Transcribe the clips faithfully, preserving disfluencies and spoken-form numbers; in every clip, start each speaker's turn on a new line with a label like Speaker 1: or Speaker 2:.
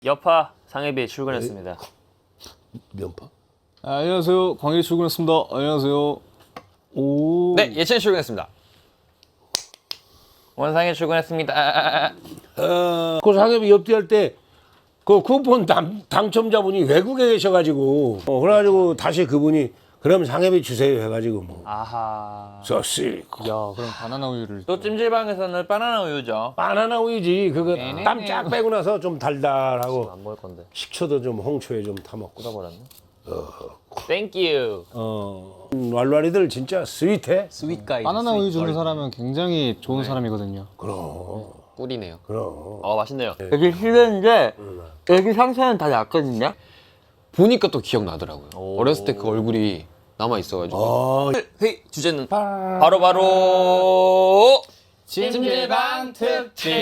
Speaker 1: 여파 상해비 출근했습니다.
Speaker 2: 면파?
Speaker 3: 아, 안녕하세요. 광일 출근했습니다. 안녕하세요. 오.
Speaker 4: 네, 예찬이 출근했습니다.
Speaker 1: 원상이 출근했습니다.
Speaker 2: 어, 그 상엽이 옆뒤할 때 그 쿠폰 당, 당첨자분이 외국에 계셔가지고 어, 그래가지고 다시 그분이 그럼 상엽이 주세요 해가지고 뭐
Speaker 1: 아하.
Speaker 2: 소시
Speaker 3: 야, 그럼 바나나 우유를
Speaker 1: 또 찜질방에서는 바나나 우유죠.
Speaker 2: 바나나 우유지 그거 땀 쫙 빼고 나서 좀 달달하고
Speaker 1: 안 먹을 건데.
Speaker 2: 식초도 좀 홍초에 좀 타먹고
Speaker 1: 묻어버렸네. 땡큐.
Speaker 2: 어 음, 왈왈이들 진짜 스윗해.
Speaker 1: 스윗 가이.
Speaker 3: 바나나 우유 주는 사람은 굉장히 좋은 사람이거든요.
Speaker 2: 그럼
Speaker 4: 꿀이네요.
Speaker 2: 그럼
Speaker 1: 어 맛있네요. 여기 실내인데 여기 상체는 다 얇거든요.
Speaker 4: 보니까 또 기억나더라고요. 어렸을 때 그 얼굴이 남아 있어가지고.
Speaker 2: 어
Speaker 1: 회의 주제는 바로 바로
Speaker 3: 찜질방 특집.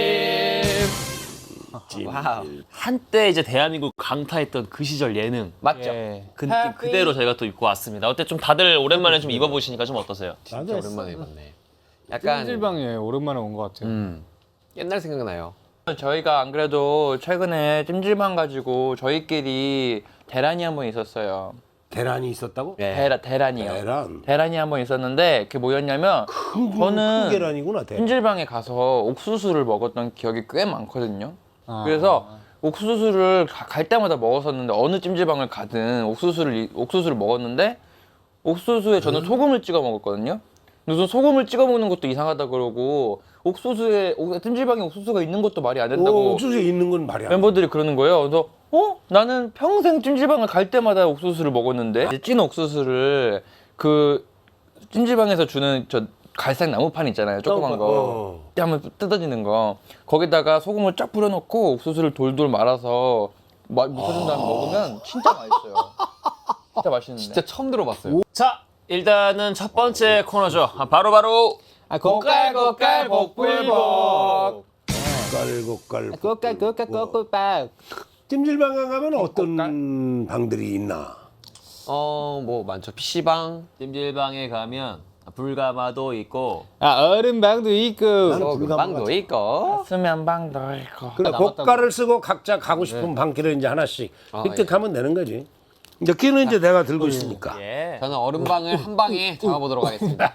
Speaker 1: 와우. 한때 이제 대한민국 강타했던 그 시절 예능
Speaker 4: 맞죠?
Speaker 3: 예.
Speaker 1: 그 느낌 그대로 저희가 또 입고 왔습니다. 어때 좀 다들 오랜만에 좀 입어보시니까 좀 어떠세요?
Speaker 4: 진짜 오랜만에 봤네. 약간
Speaker 3: 찜질방에 오랜만에 온 것 같아요.
Speaker 4: 음, 옛날 생각나요.
Speaker 1: 저희가 안 그래도 최근에 찜질방 가지고 저희끼리 대란이 한 번 있었어요.
Speaker 2: 계란이 있었다고?
Speaker 4: 네.
Speaker 1: 대라, 대란이요.
Speaker 2: 계란
Speaker 1: 대란이 한 번 있었는데 그게 뭐였냐면
Speaker 2: 큰,
Speaker 1: 저는
Speaker 2: 큰 계란이구나 대.
Speaker 1: 찜질방에 가서 옥수수를 먹었던 기억이 꽤 많거든요.
Speaker 3: 아.
Speaker 1: 그래서 옥수수를 가- 갈 때마다 먹었었는데 어느 찜질방을 가든 옥수수를 이- 옥수수를 먹었는데 옥수수에 저는 소금을 찍어 먹었거든요. 무슨 소금을 찍어 먹는 것도 이상하다 그러고 옥수수에 옥- 찜질방에 옥수수가 있는 것도 말이 안 된다고
Speaker 2: 오, 옥수수에 있는 건 말이 안 돼.
Speaker 1: 멤버들이 그러는 거예요. 그래서 어? 나는 평생 찜질방을 갈 때마다 옥수수를 먹었는데 이제 찐 옥수수를 그 찜질방에서 주는 저 갈색 나무판 있잖아요. 조그만 거.
Speaker 2: 어.
Speaker 1: 한번 뜯어지는 거. 거기다가 소금을 쫙 뿌려놓고 옥수수를 돌돌 말아서 마- 묻혀준 다음에 먹으면 진짜 맛있어요. 진짜 맛있는데.
Speaker 4: 진짜 처음 들어봤어요.
Speaker 1: 자, 일단은 첫 번째 코너죠. 아, 바로 바로
Speaker 3: 아, 고깔 고깔 복불복.
Speaker 2: 깔고깔.
Speaker 3: 고깔 고깔 고깔.
Speaker 2: 찜질방 가면 어떤 방들이 있나?
Speaker 4: 어, 뭐 많죠. 피시방,
Speaker 1: 찜질방에 가면 불가마도 있고
Speaker 3: 아, 얼음방도 있고.
Speaker 2: 나는 불가마
Speaker 4: 방도
Speaker 2: 같이.
Speaker 4: 있고.
Speaker 1: 수면방도 있고.
Speaker 2: 그래 고가를 쓰고 각자 가고 싶은 방길을 이제 하나씩
Speaker 4: 아,
Speaker 2: 획득하면 되는 거지. 이제 끼는 이제 내가 들고 있으니까.
Speaker 1: 예.
Speaker 4: 저는 얼음방을 한 방에 잡아보도록 하겠습니다.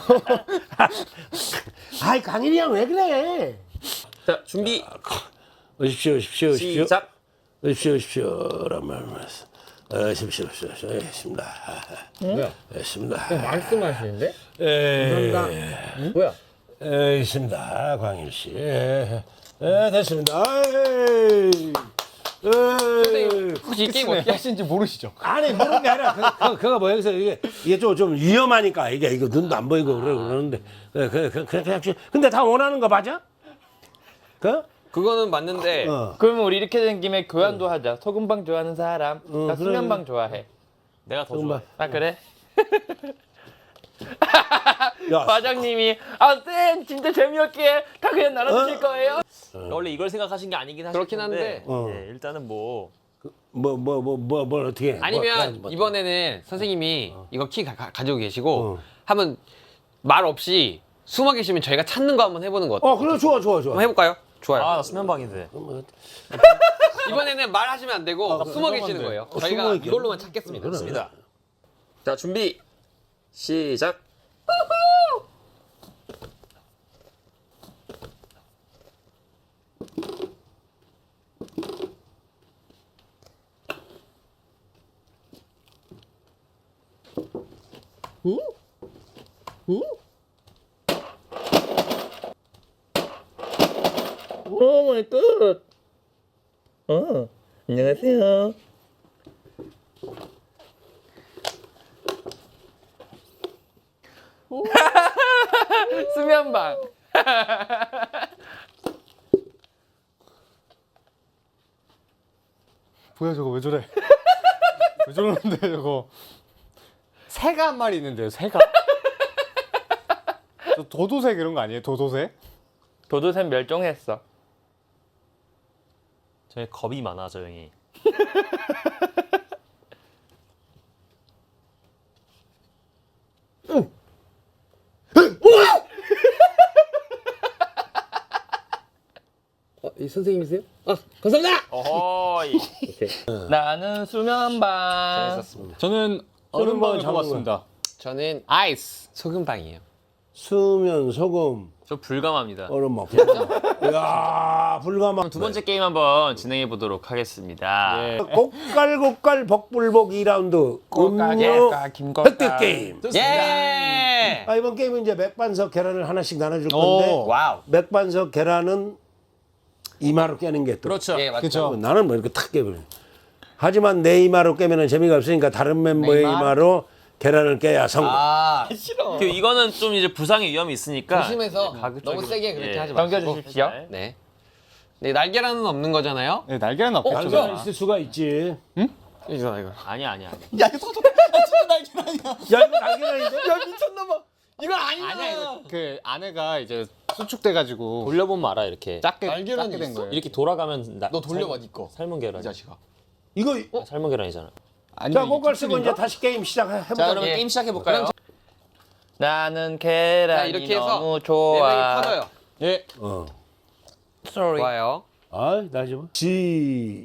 Speaker 2: 아이 강일이 형 왜 그래?
Speaker 1: 자, 준비.
Speaker 2: 오십시오, 오십시오, 오십시오.
Speaker 1: 시작.
Speaker 2: 오십시오, 오십시오. 라는 말씀. 오십시오, 오십시오, 오십시오. 알겠습니다. 알겠습니다.
Speaker 1: 말씀하시는데?
Speaker 2: 에,
Speaker 1: 뭐야?
Speaker 2: 알겠습니다, 광일 씨. 에, 에, 됐습니다. 에이. 에이.
Speaker 4: 혹시 이 게임 어떻게
Speaker 3: 하시는지 모르시죠?
Speaker 2: 아니 모르는 게 아니라 그, 그, 그거 뭐 여기서 이게 이게 좀, 좀 위험하니까 이게 이거 눈도 안 보이고 그래 그러는데 그, 그, 그, 그, 그냥 근데 다 원하는 거 맞아? 그?
Speaker 4: 그거는 맞는데
Speaker 2: 어.
Speaker 1: 그러면 우리 이렇게 된 김에 교환도 하자. 소금방 좋아하는 사람. 나
Speaker 2: 그래,
Speaker 1: 수면방 좋아해. 내가 더
Speaker 2: 소금방.
Speaker 1: 좋아해. 아 그래?
Speaker 2: 야,
Speaker 1: 과장님이 아 쌤 진짜 재미없게 다 그냥 나눠주실 거예요?
Speaker 5: 원래 이걸 생각하신 게 아니긴 하실
Speaker 4: 그렇긴
Speaker 5: 텐데
Speaker 4: 한데.
Speaker 2: 어.
Speaker 5: 예, 일단은 뭐
Speaker 2: 뭐 뭐 뭐 뭐 뭘 어떻게 해?
Speaker 4: 아니면
Speaker 2: 뭐,
Speaker 4: 이번에는 선생님이 이거 키 가, 가, 가지고 계시고
Speaker 2: 어.
Speaker 4: 한번 말 없이 숨어 계시면 저희가 찾는 거 한번 해보는 거 어때요?
Speaker 2: 어 그래 좋아 좋아 좋아.
Speaker 4: 한번 해볼까요? 좋아요.
Speaker 5: 아, 나 수면방인데.
Speaker 4: 이번에는 말하시면 안 되고 숨어 계시는 거예요. 저희가
Speaker 2: 숨어 있게.
Speaker 4: 이걸로만 찾겠습니다.
Speaker 2: 그래.
Speaker 4: 좋습니다.
Speaker 1: 자 준비 시작. 오 마이 갓. 어 안녕하세요. 수면방.
Speaker 3: 뭐야 저거 왜 저래? 왜 저러는데 저거? 새가 한 마리 있는데요, 새가. 저 도도새 이런 거 아니에요? 도도새?
Speaker 1: 도도새 멸종했어.
Speaker 5: 저희 겁이 많아, 저 형이.
Speaker 4: 어, 이 선생님이세요? 아 감사합니다.
Speaker 5: 어허이.
Speaker 1: 나는 수면방.
Speaker 3: 저는
Speaker 2: 얼음방을
Speaker 3: 얼음방을
Speaker 2: 잡은
Speaker 3: 잡았습니다.
Speaker 4: 저는 아이스 소금빵이에요.
Speaker 2: 수면, 소금,
Speaker 5: 저 불감합니다.
Speaker 2: 얼음막. 이야, 불가마.
Speaker 5: 두 번째 게임 한번 진행해 보도록 하겠습니다.
Speaker 3: 예.
Speaker 2: 고깔고깔 복불복 이 라운드 음료
Speaker 1: 꽃가 김꽃가.
Speaker 2: 획득 게임.
Speaker 4: 예.
Speaker 2: 아, 이번 게임은 이제 맥반석 계란을 하나씩 나눠줄
Speaker 3: 오.
Speaker 2: 건데
Speaker 4: 와우.
Speaker 2: 맥반석 계란은 이마로 깨는 게 또.
Speaker 5: 그렇죠.
Speaker 4: 예 맞죠.
Speaker 3: 그렇죠.
Speaker 2: 나는 뭐 이렇게 탁 깨버려. 하지만 내 이마로 깨면 재미가 없으니까 다른 멤버의
Speaker 4: 이마?
Speaker 2: 이마로 계란을 깨야 성공.
Speaker 4: 아
Speaker 5: 그 이거는 좀 이제 부상의 위험이 있으니까
Speaker 4: 조심해서
Speaker 5: 가급적이로.
Speaker 4: 너무 세게 그렇게
Speaker 5: 예.
Speaker 4: 하지 마시고.
Speaker 1: 넘겨주십시오.
Speaker 5: 네.
Speaker 4: 네. 네 날계란은 없는 거잖아요.
Speaker 3: 네, 날개는 없겠죠.
Speaker 2: 날개가 있을 수가 있지.
Speaker 4: 이거 이거.
Speaker 5: 아니야 아니야. 아니야.
Speaker 2: 야 이거 날개란인데?
Speaker 4: 이건 아니야.
Speaker 3: 아니야, 그 안에가 이제 수축돼가지고
Speaker 5: 돌려보면 알아 이렇게.
Speaker 3: 작게
Speaker 4: 날개란이
Speaker 3: 작게 된
Speaker 4: 있어?
Speaker 3: 거예요.
Speaker 5: 이렇게 돌아가면 나,
Speaker 4: 너 돌려봐
Speaker 5: 삶-
Speaker 4: 니 거.
Speaker 5: 삶은 계란.
Speaker 4: 이 자식아.
Speaker 2: 이거
Speaker 5: 아, 삶은 계란이잖아.
Speaker 3: 아니면
Speaker 2: 자
Speaker 3: 이게
Speaker 2: 고깔 쓰고 이제
Speaker 3: 특징인가?
Speaker 2: 다시 게임 시작해보자.
Speaker 5: 자 그러면
Speaker 1: 예.
Speaker 5: 게임 시작해 볼까요?
Speaker 1: 나는 계란이
Speaker 4: 자, 이렇게 해서
Speaker 1: 너무
Speaker 4: 네
Speaker 1: 좋아.
Speaker 4: 명이 퍼져요.
Speaker 3: 예.
Speaker 2: 어.
Speaker 1: Sorry.
Speaker 4: 좋아요.
Speaker 2: 아, 나 좀. 지.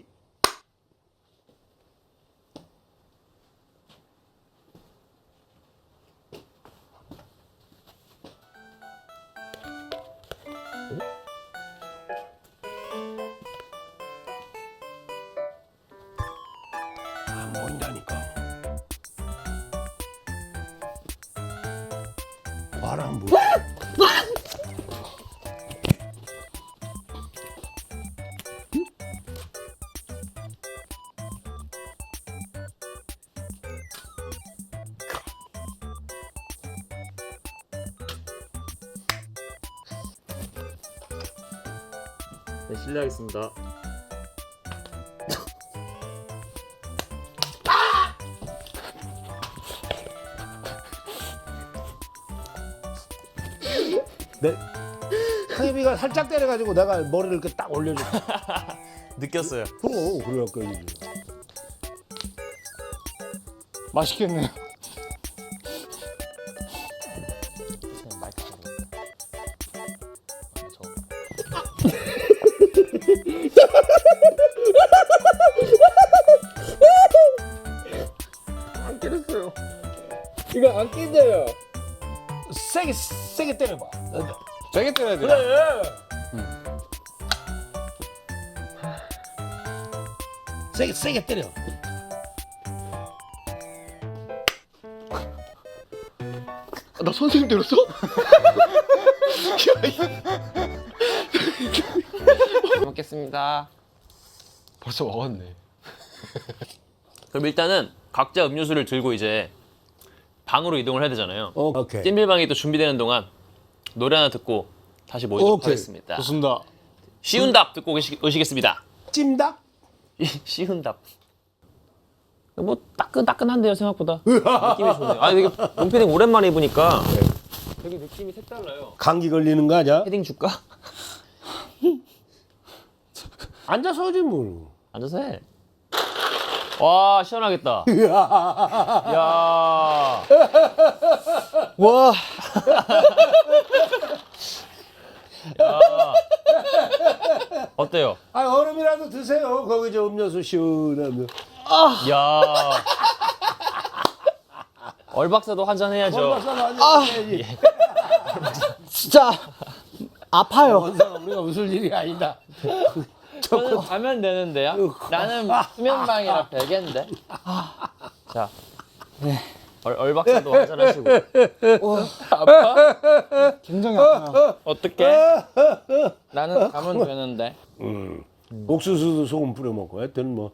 Speaker 2: 아, 뭔다니까. 바람 뭐.
Speaker 5: 네 실례하겠습니다.
Speaker 2: 내 타이비가 살짝 때려가지고 내가 머리를 이렇게 딱 올려줘.
Speaker 5: 느꼈어요.
Speaker 2: 그럼 그래갖고
Speaker 3: 맛있겠네요.
Speaker 1: 이거 안 끼져요.
Speaker 2: 세게 세게 때려봐.
Speaker 3: 세게 때려야 돼요.
Speaker 2: 세게 세게 때려.
Speaker 4: 나 선생님 때렸어? 먹겠습니다. 벌써 먹었네.
Speaker 5: 그럼 일단은 각자 음료수를 들고 이제 방으로 이동을 해야 되잖아요.
Speaker 2: 어, 오케이.
Speaker 5: 찜질방이 또 준비되는 동안 노래 하나 듣고 다시 모이도록
Speaker 2: 오케이.
Speaker 5: 하겠습니다.
Speaker 3: 좋습니다.
Speaker 5: 쉬운 답 듣고 오시, 오시겠습니다.
Speaker 2: 찜닭?
Speaker 5: 쉬운 답. 뭐 따끈따끈한데요 생각보다. 느낌이 좋네요. 아 이게 롱패딩 오랜만에 입으니까 되게 느낌이 색달라요.
Speaker 2: 감기 걸리는 거 아니야?
Speaker 5: 패딩 줄까?
Speaker 2: 앉아서 하지 뭐.
Speaker 5: 앉아서 해. 와 시원하겠다. 야.
Speaker 3: 와.
Speaker 5: 야. 어때요?
Speaker 2: 아 얼음이라도 드세요. 거기 저 음료수 시원하면.
Speaker 5: 야. 얼박사도 한잔 해야죠.
Speaker 2: 얼마나 앉아야지.
Speaker 3: 진짜 아파요.
Speaker 2: 원사가 우리가 웃을 일이 아니다.
Speaker 1: 저는 가면 되는데요. 나는 수면방이라 별개인데.
Speaker 5: 자. 얼, 얼박사도 한잔 하시고.
Speaker 3: 굉장히 아파요.
Speaker 1: 어떻게? 나는 가면 되는데.
Speaker 2: 음. 옥수수도 소금 뿌려 먹고 하여튼 뭐.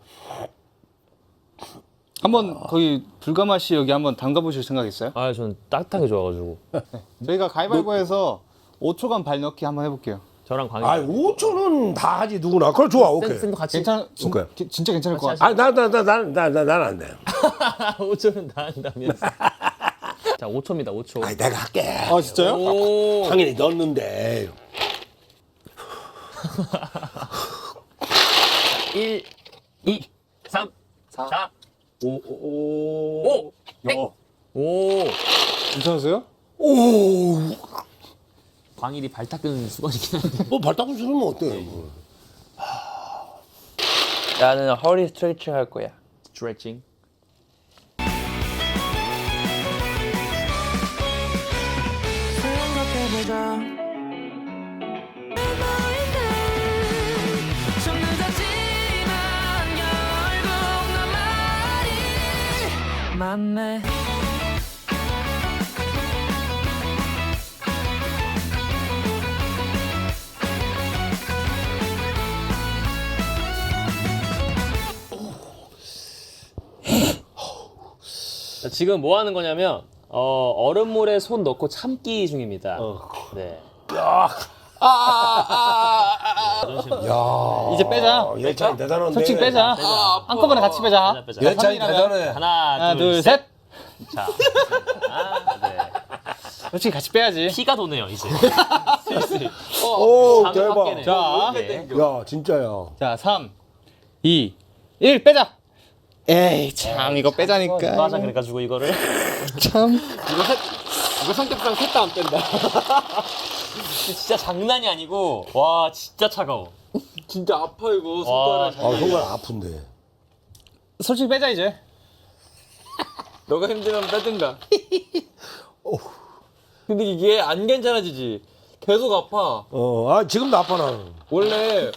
Speaker 3: 한번 거기 불가마 씨 여기 한번 담가 보실 생각 있어요?
Speaker 5: 아 저는 따뜻하게 좋아가지고.
Speaker 3: 저희가 가위바위보해서 오 초간 발 넣기 한번 해볼게요.
Speaker 5: 저랑 광희.
Speaker 2: 아 오 초는 다 하지 누구나. 그걸 좋아. 오케이.
Speaker 5: 쌤도 같이.
Speaker 3: 괜찮? 진,
Speaker 2: 오케이.
Speaker 3: 기- 진짜 괜찮을 것 같아요.
Speaker 2: 아 나 나 나 나 나 나 난 안 돼.
Speaker 5: 오 초는 다 한다면서. 자 오 초입니다. 오 초.
Speaker 2: 아니 내가 할게.
Speaker 3: 아 진짜요?
Speaker 5: 오.
Speaker 2: 당연히 넣었는데.
Speaker 5: 일, 이, 삼, 사, 오, 오,
Speaker 2: 어.
Speaker 5: 오.
Speaker 3: 괜찮으세요?
Speaker 5: 광일이 발 닦은 수건이긴 한데.
Speaker 2: 뭐 발닦은 수는 어때? 뭐.
Speaker 1: 나는 허리 스트레칭 할 거야.
Speaker 5: 스트레칭.
Speaker 6: 맞네.
Speaker 5: 자, 지금 뭐 하는 거냐면 어, 얼음물에 손 넣고 참기 중입니다. 네.
Speaker 2: 야,
Speaker 3: 이제 빼자.
Speaker 2: 예찬이 대단한데.
Speaker 3: 솔직히 빼자. 한꺼번에 같이 빼자.
Speaker 5: 빼자, 빼자.
Speaker 2: 예찬이 대단해.
Speaker 5: 하나,
Speaker 3: 하나,
Speaker 5: 둘,
Speaker 3: 둘,
Speaker 5: 셋.
Speaker 3: 셋.
Speaker 5: 자, 아, 네.
Speaker 3: 솔직히 같이 빼야지.
Speaker 5: 피가 도네요 이제. 슬슬.
Speaker 2: 오,
Speaker 5: 잠이
Speaker 2: 대박.
Speaker 5: 확 깨네.
Speaker 3: 자.
Speaker 5: 네.
Speaker 2: 야, 진짜야.
Speaker 3: 자, 삼, 이, 일 빼자. 에이, 참 이거 빼자니까.
Speaker 5: 맞아 그래가지고 이거를
Speaker 3: 참.
Speaker 4: 이거 셋, 이거 성격상 셋 다 안 뺀다.
Speaker 5: 진짜 장난이 아니고 와 진짜 차가워.
Speaker 4: 진짜 아파 이거
Speaker 5: 와,
Speaker 2: 아, 정말 아픈데.
Speaker 3: 솔직히 빼자 이제.
Speaker 1: 너가 힘들면 빼든가. 근데 이게 안 괜찮아지지. 계속 아파.
Speaker 2: 어, 아, 지금도 아파 나는.
Speaker 1: 원래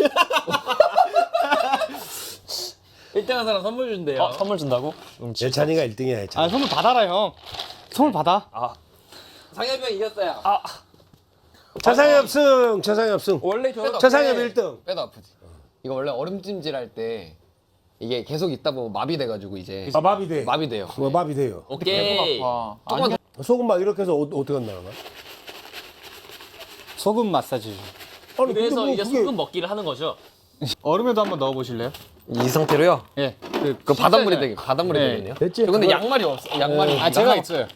Speaker 1: 일 등 한 사람 선물 준대요.
Speaker 5: 어, 선물 준다고?
Speaker 2: 예찬이가 일 등이야, 예찬이.
Speaker 3: 아, 선물 받아라 형. 선물 받아.
Speaker 1: 상엽이 형 이겼어요.
Speaker 2: 차상엽 승, 차상엽 승.
Speaker 1: 원래 저
Speaker 2: 차상엽 일 등.
Speaker 4: 빼도 아프지. 이거 원래 얼음찜질 할 때 이게 계속 있다 보면 마비돼가지고 이제
Speaker 2: 아, 마비돼.
Speaker 4: 마비돼요.
Speaker 2: 뭐 마비돼요.
Speaker 1: 오케이.
Speaker 3: 아,
Speaker 4: 조금만 더
Speaker 2: 소금 막 이렇게 해서 어, 어떻게 한다는 거야?
Speaker 3: 소금 마사지.
Speaker 2: 아니,
Speaker 5: 그래서
Speaker 2: 근데 뭐
Speaker 5: 이제
Speaker 2: 그게-
Speaker 5: 소금 먹기를 하는 거죠.
Speaker 3: 얼음에도 한번 넣어 보실래요?
Speaker 4: 이 상태로요.
Speaker 3: 예. 그,
Speaker 4: 그 바닷물이
Speaker 3: 씻어야-
Speaker 4: 되게 바닷물이
Speaker 3: 네.
Speaker 4: 되겠네요.
Speaker 2: 됐지?
Speaker 4: 저 근데
Speaker 2: 그거-
Speaker 4: 양말이 없어. 양말이.
Speaker 3: 아, 제가 있어요.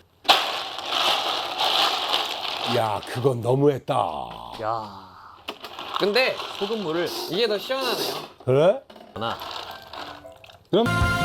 Speaker 2: 야, 그건 너무했다.
Speaker 5: 야
Speaker 4: 근데
Speaker 5: 소금물을
Speaker 4: 이게 더 시원하네요.
Speaker 2: 그래?
Speaker 5: 하나.
Speaker 3: 그럼